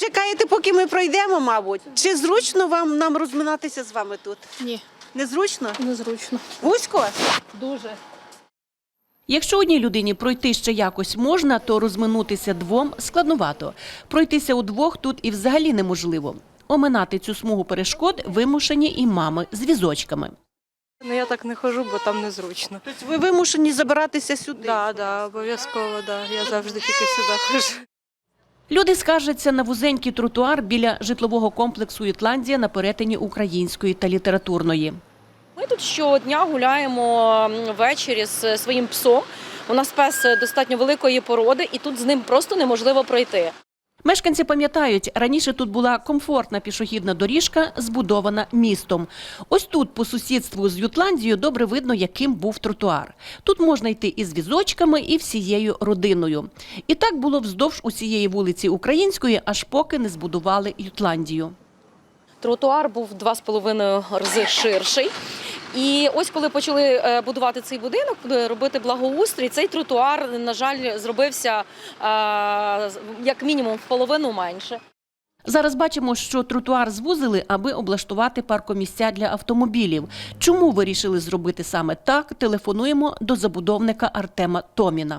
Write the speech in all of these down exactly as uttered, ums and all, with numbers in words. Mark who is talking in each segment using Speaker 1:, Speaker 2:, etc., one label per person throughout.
Speaker 1: чекаєте, поки ми пройдемо, мабуть. Чи зручно вам нам розминатися з вами тут?
Speaker 2: Ні,
Speaker 1: Незручно?
Speaker 2: незручно.
Speaker 1: Вузько?
Speaker 2: Дуже.
Speaker 3: Якщо одній людині пройти ще якось можна, то розминутися двом складновато. Пройтися удвох тут і взагалі неможливо. Оминати цю смугу перешкод вимушені і мами з візочками.
Speaker 2: Ну я так не ходжу, бо там незручно.
Speaker 1: Тобто ви вимушені забиратися сюди?
Speaker 2: Так, да, обов'язково, да. Я завжди тільки сюди ходжу.
Speaker 3: Люди скаржаться на вузенький тротуар біля житлового комплексу «Ютландія» на перетині Української та Літературної.
Speaker 4: Ми тут щодня гуляємо ввечері з своїм псом. У нас пес достатньо великої породи, і тут з ним просто неможливо пройти.
Speaker 3: Мешканці пам'ятають, раніше тут була комфортна пішохідна доріжка, збудована містом. Ось тут, по сусідству з Ютландією, добре видно, яким був тротуар. Тут можна йти із візочками, і всією родиною. І так було вздовж усієї вулиці Української, аж поки не збудували Ютландію.
Speaker 4: Тротуар був два з половиною рази ширший. І ось коли почали будувати цей будинок, робити благоустрій, цей тротуар, на жаль, зробився як мінімум в половину менше.
Speaker 3: Зараз бачимо, що тротуар звузили, аби облаштувати паркомісця для автомобілів. Чому вирішили зробити саме так, телефонуємо до забудовника Артема Томіна.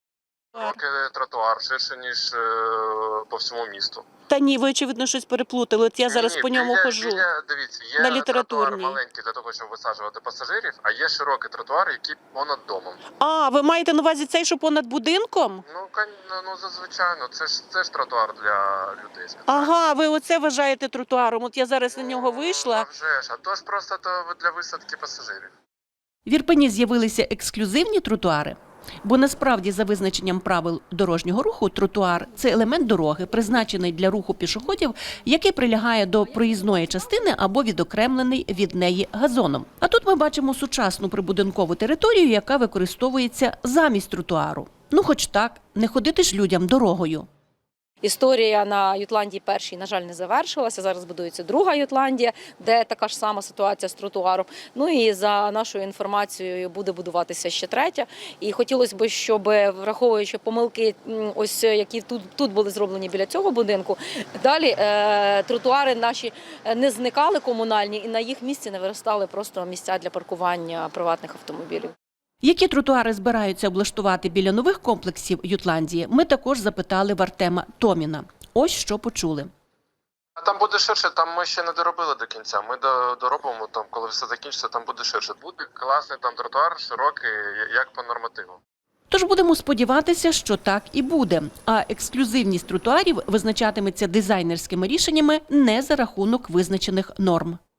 Speaker 5: Тротуар ширше, ніж по всьому місту.
Speaker 1: Та ні, ви, очевидно, щось переплутали. От я зараз
Speaker 5: ні,
Speaker 1: по ньому
Speaker 5: біля,
Speaker 1: хожу.
Speaker 5: Біля, дивіться, є
Speaker 1: на
Speaker 5: тротуар
Speaker 1: Літературній.
Speaker 5: маленький для того, щоб висаджувати пасажирів, а є широкий тротуар, який понад домом.
Speaker 1: А, ви маєте на увазі цей, що понад будинком?
Speaker 5: Ну, ну, ну зазвичай, це ж, це ж тротуар для людей. Сказати.
Speaker 1: Ага, ви оце вважаєте тротуаром. От я зараз на нього
Speaker 5: Ну,
Speaker 1: вийшла.
Speaker 5: А вже ж, а то ж просто то для висадки пасажирів.
Speaker 3: В Ірпені з'явилися ексклюзивні тротуари. Бо насправді, за визначенням правил дорожнього руху, тротуар – це елемент дороги, призначений для руху пішоходів, який прилягає до проїзної частини або відокремлений від неї газоном. А тут ми бачимо сучасну прибудинкову територію, яка використовується замість тротуару. Ну хоч так, не ходити ж людям дорогою.
Speaker 4: Історія на Ютландії першій, на жаль, не завершилася. Зараз будується друга Ютландія, де така ж сама ситуація з тротуаром. Ну і за нашою інформацією буде будуватися ще третя. І хотілося б, щоб, враховуючи помилки, ось які тут, тут були зроблені біля цього будинку, далі е, тротуари наші не зникали комунальні і на їх місці не виростали просто місця для паркування приватних автомобілів.
Speaker 3: Які тротуари збираються облаштувати біля нових комплексів Ютландії, ми також запитали в Артема Томіна. Ось що почули.
Speaker 5: Там буде ширше, там ми ще не доробили до кінця. Ми доробимо, там, коли все закінчиться, там буде ширше. Буде класний там тротуар, широкий, як по нормативу.
Speaker 3: Тож будемо сподіватися, що так і буде. А ексклюзивність тротуарів визначатиметься дизайнерськими рішеннями не за рахунок визначених норм.